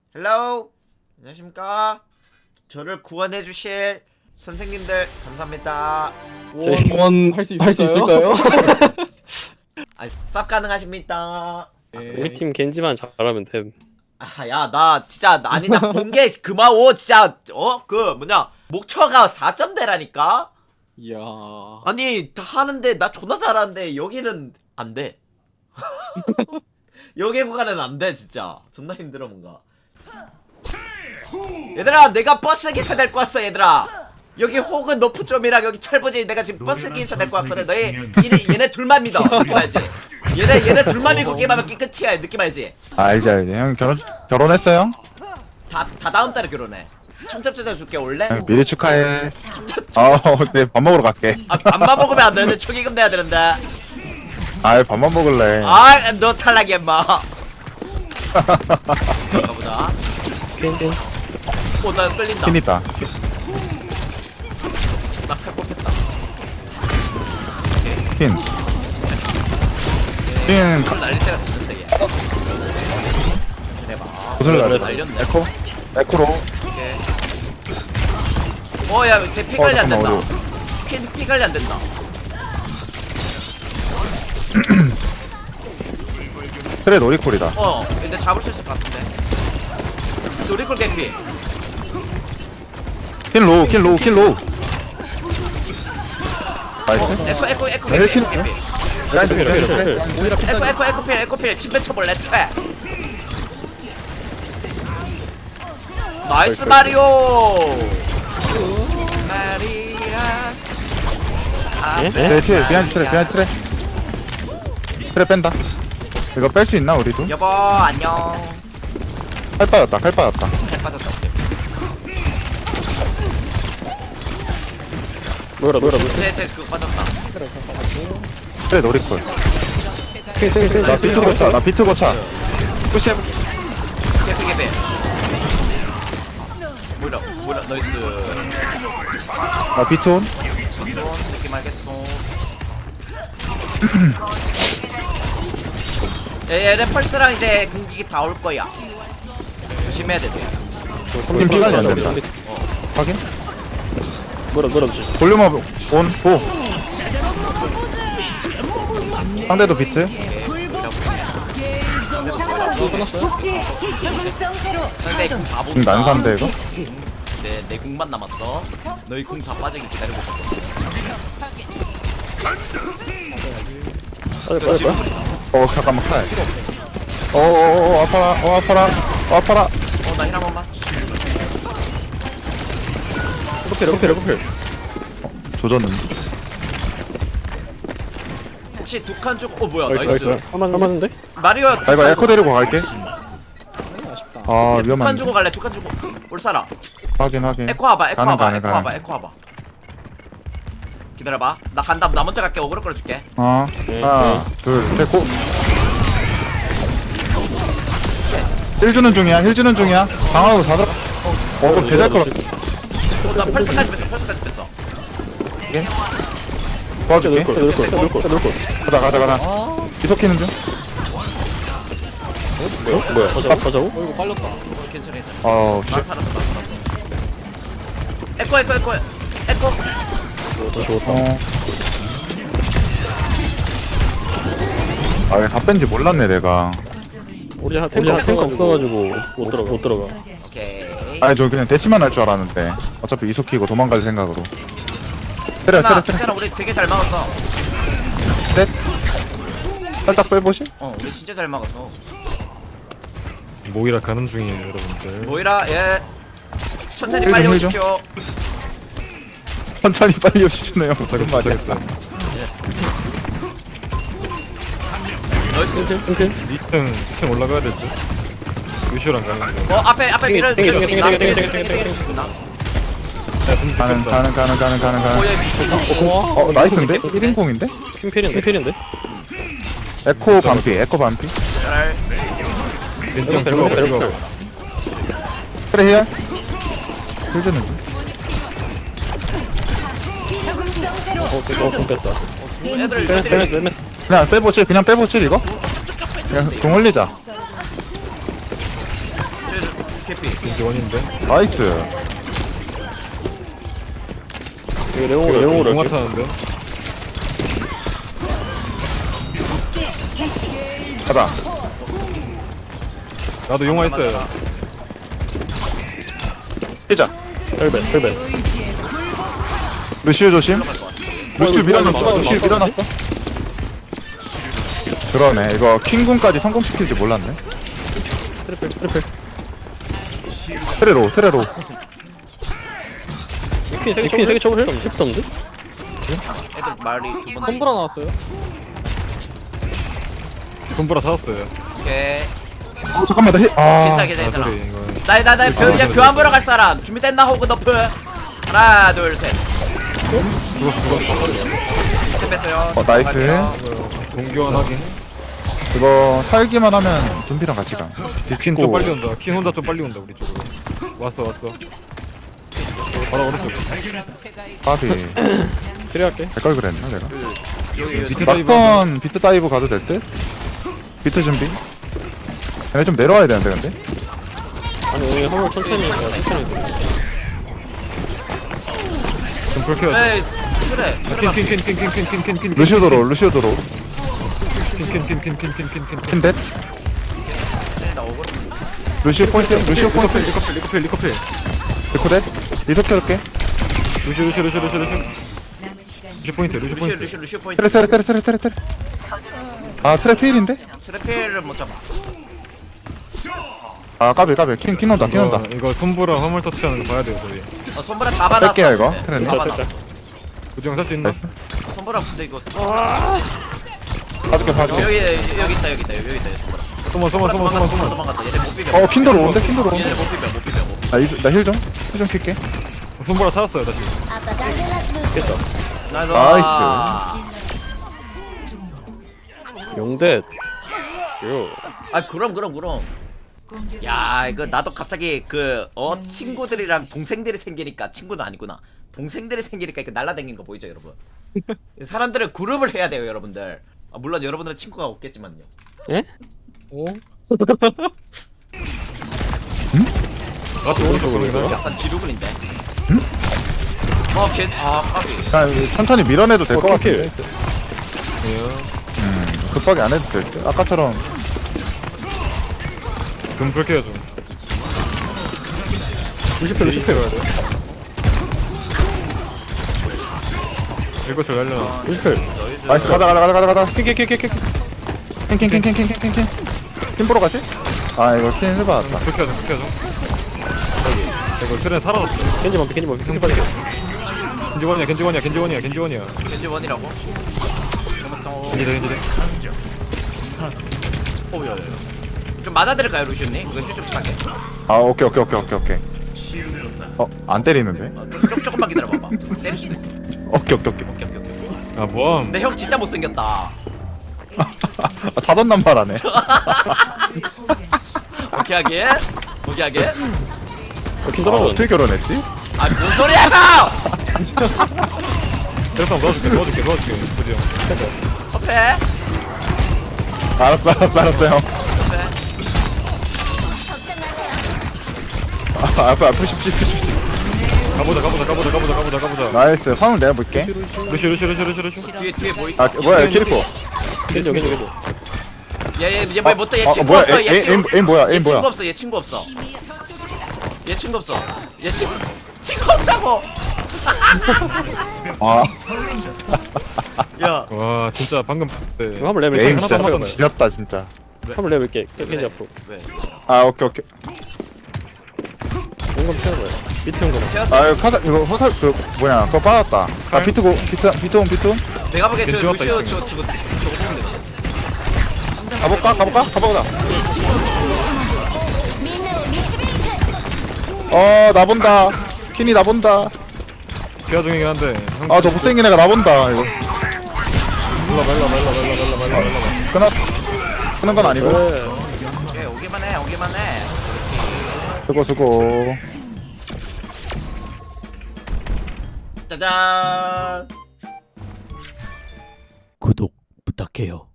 헬로우 안녕하십니까. 저를 구원해 주실 선생님들 감사합니다. 할 수 있을까요? 쌉 가능하십니까? 우리 팀 겐지만 잘하면 됨. 야 나 진짜 아니 나 본 게 그마오 진짜 그 뭐냐 목표가 4점대라니까. 이야. 아니 다 하는데 나 존나 잘하는데 여기는 안 돼. 여기 구간은 안 돼 진짜. 존나 힘들어 뭔가. 얘들아 내가 버스 기사 될 거 같어 얘들아. 여기 혹은 노프 좀이랑 여기 철부지 내가 지금 버스 기사 될 거 같거든. 너희 얘네 둘만 믿어. 느낌 알지? 얘네 둘만 믿고 게임하면 끝이야. 느낌 알지? 알지. 형 결혼했어요? 다 다음 달에 결혼해. 청첩장 줄게 올래? 형 미리 축하해. 네, 밥 먹으러 갈게. 밥만 먹으면 안 되는데 초기금 내야 되는데. 밥만 먹을래. 너 탈락이야 임마. 가보자. 나 끌린다. 핀 있다. 나칼 뽑혔다. 핀. 핀. 칼 날릴 때가 됐는데 얘. 대박. 구슬 날렸어. 날렸네. 에코로. 오케이. 야, 쟤 피 관리 안 된다. 잠깐만, 피 관리 안 된다. 트레 놀이콜이다. 근데 잡을 수 있을 것 같은데. 노리콜 개피. 킬 로우. 나이스. 에코 네, 개피. 킬. 개피. 라이트. 에코필. 침 뱉어볼래? 퇴. 나이스 마리오. 마리아. 네, 뒤에 비하인드 트레. 트레 뺀다. 이거 뺄 수 있나 우리도? 여보 안녕. 칼 빠졌다. 잘 빠졌다. 뭐라. 쟤 그거 빠졌다. 트레 놀이콜. 나 비트 고차. 푸시해. 개피. 뭐라 나이스. 나 비트 온. 느낌 알겠어. 얘네 펄스랑 이제 공격이 다 올 거야. 조심해야 돼. 지금 피관리 안 된다. 확인. 뭐라. 볼륨업 온. 고. 상대도 비트. 상대 궁 다 지금 본다. 난사인데 이거? 이제 내 궁만 남았어. 너희 궁 다 빠지기 기다리고 있어. 빨리. 잠깐만 칼. 아파라. 나 힐 한 번만. 레코필. 조졌는. 혹시 두 칸 쪽? 뭐야? 나이스. 나이스. 할만한데? 마리오. 이거 에코 데리고 갈게. 두 칸 위험한데. 주고 갈래. 두 칸 주고. 올 사람. 확인. 에코 와봐. 가능. 에코 와봐. 기다려봐. 나 간다. 나 먼저 갈게. 어그로 끌어줄게. 하나, 둘, 셋, 고. 힐 주는 중이야. 방어로 다 들어. 그럼 개잘 걸어. 나 펄스까지 뺐어. 도와줄게. 놀 가자. 이속키는 중. 뭐야? 가자고? 괜찮아. 씨. 난 살았어. 에코. 다 뺀지 몰랐네, 내가. 우리 한 탱커 없어가지고 못 들어가. 오케이. 저 그냥 대치만 할 줄 알았는데. 어차피 이속키고 도망갈 생각으로. 때려. 괜찮아. 우리 되게 잘 막았어. 셋. 살짝 빼보시? 우리 진짜 잘 막았어. 모이라 가는 중이에요 여러분들. 모이라 예. 천천히 힐 빨리 좀, 힐 좀. 오십시오. 천천히 빨리 오시네요. 무슨 말이야. 나이스. 2층 올라가야 되죠. 유시랑 가는 거. 앞에 밀어줄 수 있나? 가는. 오예 미쳤다. 나이스인데? 1인공인데? 퀸필인데? 에코 반피. 잘. 왼쪽 레코필. 그래, 해야? 힐주는 중. 뺐다. 애들 MS. 그냥 빼보실 이거? 그냥 공 흘리자. 캐피. 겐지 원인데. 나이스. 이거 레옹으로 용화 할게. 타는데. 가자. 나도 용화 했어요. 뛰자. 헬벳. 루시우 조심. 루시우 밀어놨어. 루시우 밀어놨어. 그러네. 이거 킹군까지 성공시킬 줄 몰랐네. 트리플. 트레로. 이렇게 세개 쳐볼 싶던데? 애들 말이 두 번. 콤브라 나왔어요. 손보라 찾았어요. 오케이. 잠깐만 나 힐. 괜찮아 아. 괜찮아. 소리 이거. 나야 교환 보러 갈 사람 준비됐나 호그 너프. 하나 둘 셋. 셋 뺐어요. 나이스. 이거 동교환 확인. 이거 살기만 하면 준비랑 같이 가. 킨 좀 빨리 온다. 킨 혼자 좀 빨리 온다 우리 쪽으로. 왔어. 바로 오른쪽. 바비. 트리 할게. 될걸 그랬나 내가. 밑에 다이브. 막턴 비트 다이브 가도 될 듯? 비트 준비. 얘네 좀 내려와야 되는데 근데. 아니 오늘 화물 천천히 좀 불켜야 돼. 에이 그래. 킨. 루시오 도로. 킨. 킨댓. 나 오고. 루시오 포인트. 리커필. 리코댓. 리석 켜줄게. 루시 포인트. 루시오 포인트. 테레. 아 트랩 필인데? 트래필을 못 잡아. 아 까비 킹 온다. 이거 손보라 화물 터치하는 거 봐야 돼요 저희. 손보라 잡아놨어. 뺄게요, 이거. 트렌드. 잡아놨어. 구정 살수 있나? 나이스. 손보라 근데 이거 봐줄게. 여기 있다. 손보라 소만. 도망갔어. 얘네 못 비벼. 킨도로 오는데? 얘네 못 비벼. 나 힐 좀 킬게. 손보라 찾았어요 다시. 나이스. 용댓. 요. 아 그럼. 야 이거 나도 갑자기 친구들이랑 동생들이 생기니까 친구는 아니구나. 동생들이 생기니까 이거 날라다니는 거 보이죠 여러분? 사람들은 그룹을 해야 돼요 여러분들. 물론 여러분들은 친구가 없겠지만요. 예? 오? 나도 오른쪽으로. 약간 지루근인데. 까비. 야, 이거 천천히 밀어내도 될 것 같아. 예. 급하게 안 해도 될 듯. 아까처럼 금 불켜요 좀. 루시필. 이거 저 날려놔. 루시필. 나이스. 가자. 킥킥킥킥킥. 킹 보러 가지? 아 이거 킹 해봤다. 불켜줘. 이거 트렌 사라졌어. 겐지 반피. 겐지 빨리. 겐지원이야. 겐지 원이라고? 겐지대. 오야야. 좀 맞아드릴까요 루시님? 이거 힐좀 차게. 아 오케이. 안 때리는데? 조금만 기다려봐봐. 때릴 수도 있어. 오케이. 오케이. 아 뭐함. 근데 형 진짜 못생겼다. 아, 사돈난 말하네. 오케이 하게. 킨 떨어졌는데. 어떻게 결혼했지? 뭔 소리야 이거! 대상 넣어줄게. 보지 형. 섭해. 알았어 형. 앞에 푸시. 가보자. 나이스. 화물 내가 볼게. 루시. 뒤에 뭐 있? 뭐야 키리코. 겐지. 얘 못해. 얘 친구 뭐야? 없어. 얘 에임 뭐야? 얘 친구 없어. 친구 없다고. 아 야. 와 진짜 방금 네. 이거 한번 레벨 에임 하나 진짜 더 지렸다 진짜. 한번 레벨 게 겐지 앞으로. 왜? 아 오케이. 용감 채우는 거야. 비트 용감. 채웠어. 아 이거 카사 이거 호살 뭐냐 그거 빠졌다. 아 비트 온. 내가 보기엔 저 괜찮았다, 루시오 이거. 저거 보면 되거든. 가볼까? 나 본다. 킨이 나 본다. 피하 중이긴 한데. 아 저 못생긴 애가 나 본다 이거. 말라. 끄는 건 아니고. 오케이, 오기만 해. 수고. 짜잔. 구독 부탁해요.